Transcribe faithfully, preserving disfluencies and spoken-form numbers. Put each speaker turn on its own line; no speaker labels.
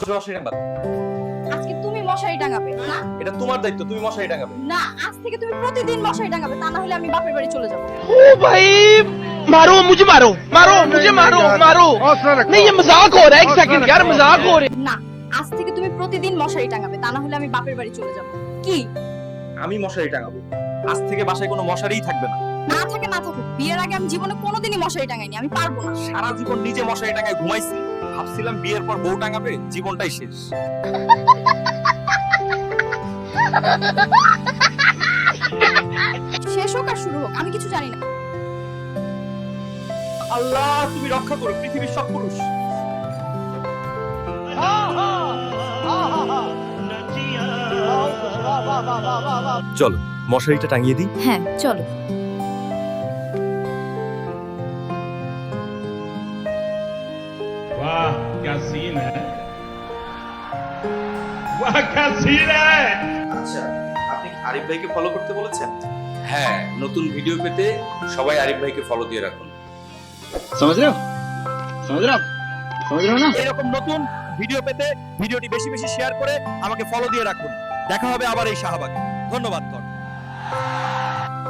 মশারি টাঙাবে।
আজকে তুমি মশারি টাঙাবে না?
এটা তোমার দায়িত্ব, তুমি মশারি টাঙাবে।
না, আজ থেকে তুমি প্রতিদিন মশারি টাঙাবে, তা না হলে আমি বাপের বাড়ি চলে যাব।
ओ भाई मारो मुझे मारो मारो मुझे मारो मारो नहीं ये मजाक हो रहा है एक सेकंड यार मजाक हो रहा है
না, আজ থেকে তুমি প্রতিদিন মশারি টাঙাবে, তা না হলে আমি বাপের বাড়ি চলে যাব। কি?
আমি মশারি টাঙাবো। আজ থেকে বাসায় কোনো মশারিই থাকবে না।
না থাকে না থাকে, বিয়ের আগে আমি জীবনে কোনোদিনই মশারি টাঙাইনি, আমি পারবো না।
সারা জীবন নিজে মশারি টাঙায় ঘুমাইছি, ভাবছিলাম বিয়ের পর বউ টাঙাবে, জীবনটাই শেষ।
শেষ হোক আর শুরু হোক, আমি কিছু জানি না।
আল্লাহ তুমি রক্ষা করো পৃথিবীর সব পুরুষ। চলো মশারিটা টাঙিয়ে দিই।
হ্যাঁ চলো।
वाह क्या सीन है वाह क्या सीन है
আচ্ছা, আপনি কি আরিফ ভাইকে ফলো করতে বলেছেন? হ্যাঁ, নতুন ভিডিও পেতে সবাই আরিফ ভাইকে ফলো দিয়ে রাখুন।
समझ रहे हो समझ रहे हो समझ रहे हो ना
এরকম নতুন ভিডিও পেতে ভিডিওটি বেশি বেশি শেয়ার করে আমাকে ফলো দিয়ে রাখুন। দেখা হবে আবার এই শাহবাগে। ধন্যবাদ।